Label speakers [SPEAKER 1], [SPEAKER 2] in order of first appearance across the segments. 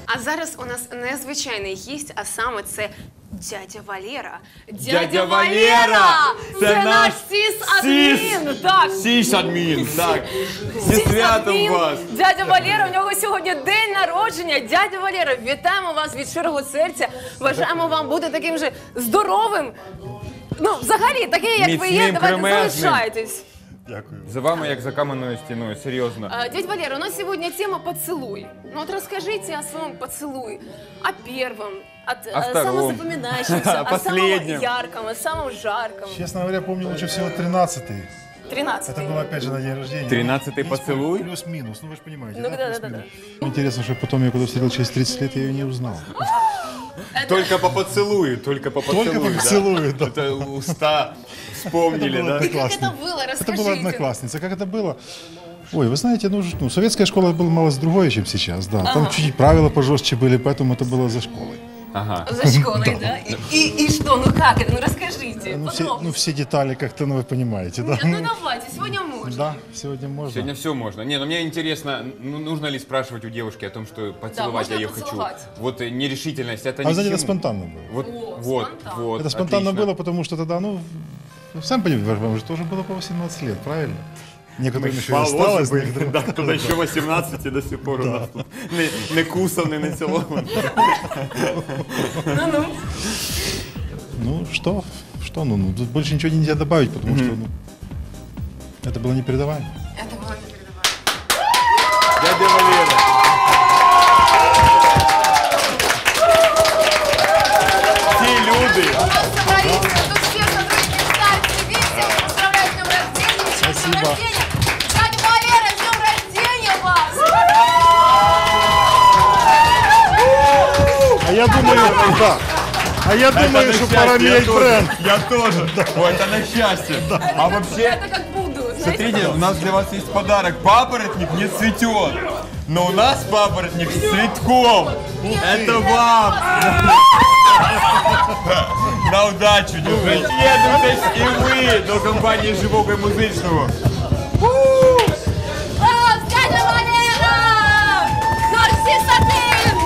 [SPEAKER 1] А зараз у нас незвичайний гість, а саме це дядя Валера.
[SPEAKER 2] Дядя Валера!
[SPEAKER 1] Це наш сіс-адмін! Так.
[SPEAKER 2] Сіс-адмін, так. Зі святом вас!
[SPEAKER 1] Дядя Валера, у нього сьогодні день народження. Дядя Валера, вітаємо вас від щирого серця. Бажаємо вам бути таким же здоровим. Ну, взагалі, такий, як ви є, давайте залишайтесь.
[SPEAKER 3] Дякую.
[SPEAKER 2] За вами, як за каменною стіною, серйозно.
[SPEAKER 1] Дядь Валера, у нас сегодня тема «Поцелуй». Ну вот расскажите о своем поцелуе, о первом, о самом запоминающемся, о самом ярком, о самом жарком.
[SPEAKER 3] Честно говоря, помню лучше всего 13-й.
[SPEAKER 1] 13-й.
[SPEAKER 3] Это было опять же на день рождения.
[SPEAKER 2] 13-й поцелуй?
[SPEAKER 3] Плюс-минус, ну вы же понимаете.
[SPEAKER 1] Ну да.
[SPEAKER 3] Интересно, что потом я когда встретил через 30 лет, я ее не узнал.
[SPEAKER 2] Только по поцелую, только по поцелую.
[SPEAKER 3] Только по поцелую, да.
[SPEAKER 2] Это уста вспомнили, да?
[SPEAKER 1] Как это было? Расскажите.
[SPEAKER 3] Это была одноклассница. Как это было? Ой, вы знаете, ну, советская школа была мало другое, чем сейчас, да. Там чуть-чуть правила пожестче были, поэтому это было за школой.
[SPEAKER 2] Ага.
[SPEAKER 1] За школой, да? И что, ну как это? Ну расскажите,
[SPEAKER 3] Ну, все детали как-то, ну, вы понимаете, да.
[SPEAKER 1] Ну давайте, сегодня можно.
[SPEAKER 3] Да, сегодня можно.
[SPEAKER 2] Сегодня все можно. Не, ну мне интересно, ну, нужно ли спрашивать у девушки о том, что поцеловать
[SPEAKER 1] можно
[SPEAKER 2] я ее
[SPEAKER 1] поцеловать.
[SPEAKER 2] хочу. Вот нерешительность, это
[SPEAKER 3] А
[SPEAKER 2] не
[SPEAKER 3] вы знаете,
[SPEAKER 2] к
[SPEAKER 3] это
[SPEAKER 2] чему.
[SPEAKER 3] спонтанно было.
[SPEAKER 2] Вот.
[SPEAKER 3] Это спонтанно
[SPEAKER 2] отлично.
[SPEAKER 3] было, потому что тогда, ну, сам понимаете, вам же тоже было по 18 лет, правильно? Некоторым еще и осталось.
[SPEAKER 2] Да, кто-то еще 18 и до сих пор у нас тут не кусаний, не цілований.
[SPEAKER 1] Ну-ну.
[SPEAKER 3] Ну, что, ну, тут больше ничего нельзя добавить, потому что, ну, это было непередаваемо.
[SPEAKER 1] Это было непередаваемо.
[SPEAKER 2] Дядя Валера. Ті люди.
[SPEAKER 1] У нас собрались тут все сотрудники Star TV. Всех поздравляю с днем рождения. С
[SPEAKER 3] Спасибо.
[SPEAKER 1] днем рождения. Дядя Валера, с днем рождения вас!
[SPEAKER 3] А я думаю, да. А я думаю, что пора менять бренд.
[SPEAKER 2] Я тоже. Ой, это на счастье. А вообще,
[SPEAKER 1] Это как буду, знаете?
[SPEAKER 2] смотрите, у нас для вас есть подарок. Папоротник не цветет, но у нас папоротник с цветком. Это вам. На удачу, держите. Єднуйтесь і ви до компанії «Живого і музичного».
[SPEAKER 1] Класс, дядя Валера! Наш сисадин!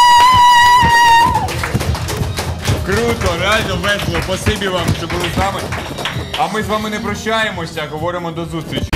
[SPEAKER 2] Круто, реально весело. Спасибі вам, що були з нами. А ми з вами не прощаємося, а говоримо до зустрічі.